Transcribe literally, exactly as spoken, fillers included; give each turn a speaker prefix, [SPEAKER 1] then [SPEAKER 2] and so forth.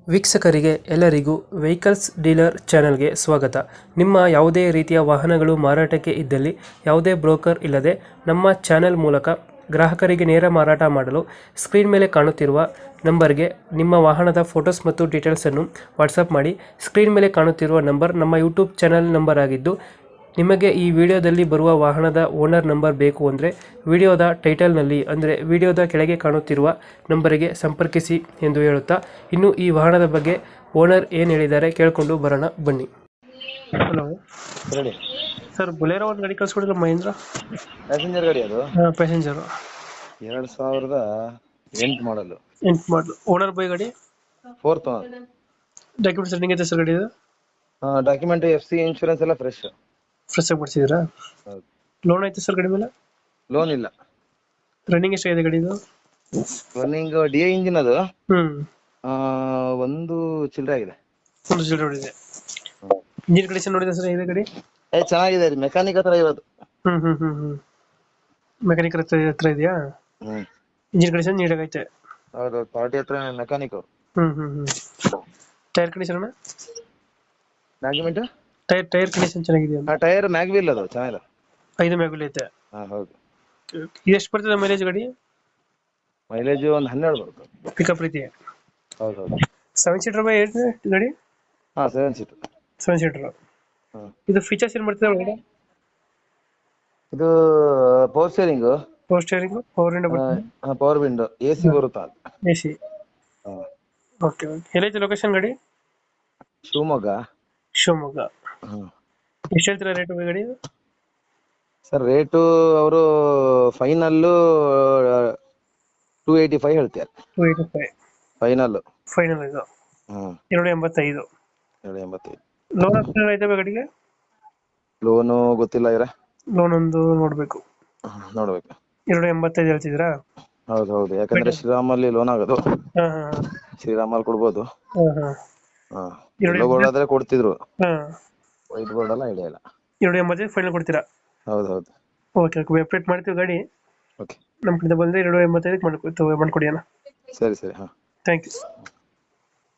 [SPEAKER 1] ವೀಕ್ಷಕರಿಗೆ ಎಲ್ಲರಿಗೂ vehicles dealer ಚಾನೆಲ್ಗೆ ಸ್ವಾಗತ. ನಿಮ್ಮ ಯಾವುದೇ ರೀತಿಯ ವಾಹನಗಳು ಮಾರಾಟಕ್ಕೆ ಇದ್ದಲ್ಲಿ ಯಾವುದೇ ಬ್ರೋಕರ್ ಇಲ್ಲದೆ ನಮ್ಮ ಚಾನೆಲ್ ಮೂಲಕ ಗ್ರಾಹಕರಿಗೆ ನೇರ ಮಾರಾಟ ಮಾಡಲು ಸ್ಕ್ರೀನ್ ಮೇಲೆ ಕಾಣುತ್ತಿರುವ ನಂಬರ್ಗೆ ನಿಮ್ಮ ವಾಹನದ ಫೋಟೋಸ್ ಮತ್ತು ಡೀಟೇಲ್ಸನ್ನು ವಾಟ್ಸಪ್ ಮಾಡಿ. ಸ್ಕ್ರೀನ್ ಮೇಲೆ ಕಾಣುತ್ತಿರುವ ನಂಬರ್ ನಮ್ಮ ಯೂಟ್ಯೂಬ್ ಚಾನೆಲ್ ನಂಬರ್ ಆಗಿದ್ದು, ನಿಮಗೆ ಈ ವಿಡಿಯೋದಲ್ಲಿ ಬರುವ ವಾಹನದ ಓನರ್ ನಂಬರ್ ಬೇಕು ಅಂದರೆ ವಿಡಿಯೋದ ಟೈಟಲ್ನಲ್ಲಿ ಅಂದರೆ ವಿಡಿಯೋದ ಕೆಳಗೆ ಕಾಣುತ್ತಿರುವ ನಂಬರಿಗೆ ಸಂಪರ್ಕಿಸಿ ಎಂದು ಹೇಳುತ್ತಾ, ಇನ್ನು ಈ ವಾಹನದ ಬಗ್ಗೆ ಓನರ್ ಏನು ಹೇಳಿದ್ದಾರೆ ಕೇಳಿಕೊಂಡು ಬರೋಣ ಬನ್ನಿ. ಹಲೋ
[SPEAKER 2] ರೆಡಿ
[SPEAKER 1] ಸರ್, ಬೊಲೆರೋ ಒಂದು ಗಾಡಿ ಕಳಿಸ್ಕೊಡಿಲ್ಲ ಮಹೇಂದ್ರ?
[SPEAKER 2] ಪ್ಯಾಸೆಂಜರ್ ಗಾಡಿ ಅದು
[SPEAKER 1] ಹಾಂ, ಪ್ಯಾಸೆಂಜರು.
[SPEAKER 2] ಎರಡ್ ಸಾವಿರದ ಎಂಟು ಮಾಡಲು.
[SPEAKER 1] ಎಂಟು ಮಾಡಲು. ಓನರ್ ಬೈ ಗಾಡಿ?
[SPEAKER 2] ಫೋರ್ತ್
[SPEAKER 1] ಡಾಕ್ಯುಮೆಂಟ್ಸ್ ರನ್ನಿಂಗ್ ಐತೆ ಸರ್ ಗಾಡಿ?
[SPEAKER 2] ಡಾಕ್ಯುಮೆಂಟ್, ಎಫ್ ಸಿ, ಇನ್ಶೂರೆನ್ಸ್ ಎಲ್ಲ ಫ್ರೆಶ್.
[SPEAKER 1] ಫ್ರೆಶ್ ಆಗಿ ಮಾಡಿಸಿದ್ದೀರಾ?
[SPEAKER 2] ಹೌದು.
[SPEAKER 1] ಲೋನ್ ಐತೆ ಸರ್ ಗಾಡಿ ಮೇಲೆ?
[SPEAKER 2] ಲೋನ್ ಇಲ್ಲ.
[SPEAKER 1] ರನ್ನಿಂಗ್ ಎಷ್ಟಾಗಿದೆ ಗಾಡಿದು?
[SPEAKER 2] ರನ್ನಿಂಗ್ ಡಿ ಐ ಇಂಜಿನ್ ಅದು
[SPEAKER 1] ಹ್ಞೂ
[SPEAKER 2] ಆ, ಒಂದು ಚಿಲ್ಲರೆ ಆಗಿದೆ.
[SPEAKER 1] ಒಂದು ಜೀರೋ ನೋಡಿದೆ. ಇಂಜಿನ್ ಕಂಡೀಷನ್ ನೋಡಿದೆ ಸರ್ ಇದೆ ಗಾಡಿ?
[SPEAKER 2] ಏ ಚೆನ್ನಾಗಿದೆ, ಮೆಕ್ಯಾನಿಕ್ ಹತ್ರ ಇರೋದು.
[SPEAKER 1] ಹ್ಮ್ ಹ್ಮ್ ಹ್ಮ್ ಹ್ಮ್ ಮೆಕ್ಯಾನಿಕ್ ಹತ್ರ ಹತ್ರ ಇದೆಯಾ?
[SPEAKER 2] ಹ್ಮ್
[SPEAKER 1] ಇಂಜಿನ್ ಕಂಡೀಷನ್ ನೀಟಾಗೈತೆ.
[SPEAKER 2] ಹೌದು, ಪಾರ್ಟಿ ಹತ್ರ ಮೆಕ್ಯಾನಿಕ್ ಅವ್ರು.
[SPEAKER 1] ಹ್ಮ್ ಹ್ಮ್ ಹ್ಮ್ ಟೈರ್ ಕಂಡೀಷನ್ ಅಣ್ಣ?
[SPEAKER 2] ಡಾಕ್ಯುಮೆಂಟ್,
[SPEAKER 1] ಟೈರ್ ಟೈರ್ ಕಂಡೀಷನ್ ಚೆನ್ನಾಗಿದೆಯಾ?
[SPEAKER 2] ಆ ಟೈರ್ ಮ್ಯಾಗ್ವಿಲ್ ಅದು ಚೆನ್ನಾಗಿದೆ.
[SPEAKER 1] ಐದು ಮ್ಯಾಗುಲ್ ಐತೆ.
[SPEAKER 2] ಹಾ ಹೌದು.
[SPEAKER 1] ಎಷ್ಟು ಬರ್ತದೆ ಮೈಲೇಜ್ ಗಾಡಿ?
[SPEAKER 2] ಮೈಲೇಜ್ ಒಂದು ಹನ್ನೆರಡು ಬರುತ್ತೆ.
[SPEAKER 1] ಪಿಕಪ್ ರೀತಿ?
[SPEAKER 2] ಹೌದು ಹೌದು.
[SPEAKER 1] ಸೆವೆನ್ ಸೀಟರ್ ಬೈ ಏಟ್ ಗಾಡಿ?
[SPEAKER 2] ಹಾ, ಸೆವೆನ್ ಸೀಟ್.
[SPEAKER 1] Seven seater.
[SPEAKER 2] ಹಾ,
[SPEAKER 1] ಇದು ಫೀಚರ್ಸ್ ಏನು ಬರ್ತದೆ ಒಳಗಡೆ?
[SPEAKER 2] ಇದು power steering,
[SPEAKER 1] power steering, power window ಬರ್ತದೆ,
[SPEAKER 2] ಪವರ್ ವಿಂಡೋ, ಎ ಸಿ ಬರುತ್ತಾ?
[SPEAKER 1] A C. Okay okay. ಎಲ್ಲೈತೆ ಲೊಕೇಶನ್ ಗಾಡಿ?
[SPEAKER 2] ಶಿವಮೊಗ್ಗ.
[SPEAKER 1] ಶಿವಮೊಗ್ಗ.
[SPEAKER 2] ಹ್ಮ್.
[SPEAKER 1] ಎಷ್ಟು ಹೇಳ್ತೀರಾ ರೇಟ್ ಗಾಡಿ?
[SPEAKER 2] ಸರ್ ರೇಟು ಅವರು ಫೈನಲ್ಲು ಟೂ ಏಯ್ಟಿ ಫೈವ್ ಹೇಳ್ತಾರೆ.
[SPEAKER 1] Two eighty five
[SPEAKER 2] final.
[SPEAKER 1] Final ಇದು?
[SPEAKER 2] ಹ್ಮ್.
[SPEAKER 1] ಎರಡು ಎಂಬತ್ತೈದು.
[SPEAKER 2] ಎರಡು ಎಂಬತ್ತೈದು.
[SPEAKER 1] ಲೋನ್ ಆಪ್ಷನ್ ಐತೆ ಗಾಡಿಗೆ?
[SPEAKER 2] ಲೋನು ಗೊತ್ತಿಲ್ಲ ಇರ.
[SPEAKER 1] ಲೋನ್ ಒಂದು ನೋಡ್ಬೇಕು.
[SPEAKER 2] ನೋಡ್ಬೇಕು.
[SPEAKER 1] ಎರಡು ಎಂಬತ್ತೈದು ಹೇಳ್ತಿದ್ದೀರಾ?
[SPEAKER 2] ಹೌದು ಹೌದು, ಯಾಕಂದ್ರೆ ಶ್ರೀರಾಮಲ್ಲಿ ಲೋನ್ ಆಗೋದು.
[SPEAKER 1] ಹಾ ಹಾ
[SPEAKER 2] ಶ್ರೀರಾಮಲ್ಲಿ ಕೊಡ್ಬೋದು.
[SPEAKER 1] ಹಾ ಹಾ
[SPEAKER 2] ಹಾ, ಎಲ್ಲೋ ಬೋರ್ಡ್ ಕೊಡ್ತಿದ್ರು.
[SPEAKER 1] ಹಾ
[SPEAKER 2] ವೈಟ್ ಬೋರ್ಡ್ ಎಲ್ಲ ಐಡಿಯಾ ಇಲ್ಲ.
[SPEAKER 1] ಎರಡು ಎಂಬತ್ತೈದು ಫೈನಲ್ ಕೊಡ್ತೀರಾ?
[SPEAKER 2] ಹೌದು ಹೌದು.
[SPEAKER 1] ಓಕೆ ಓಕೆ, ವೆಬ್ಸೈಟ್ ಮಾಡ್ತೀವಿ ಗಾಡಿ.
[SPEAKER 2] ಓಕೆ,
[SPEAKER 1] ನಮ್ಮ ಕಡೆ ಬಂದರೆ ಎರಡು ಎಂಬತ್ತೈದಕ್ಕೆ ಮಾಡ್ಕೊಡ್ತೀವಿ, ಮಾಡ್ಕೊಡಿ ಅಣ್ಣ.
[SPEAKER 2] ಸರಿ ಸರಿ. ಹಾ,
[SPEAKER 1] ಥ್ಯಾಂಕ್ ಯು.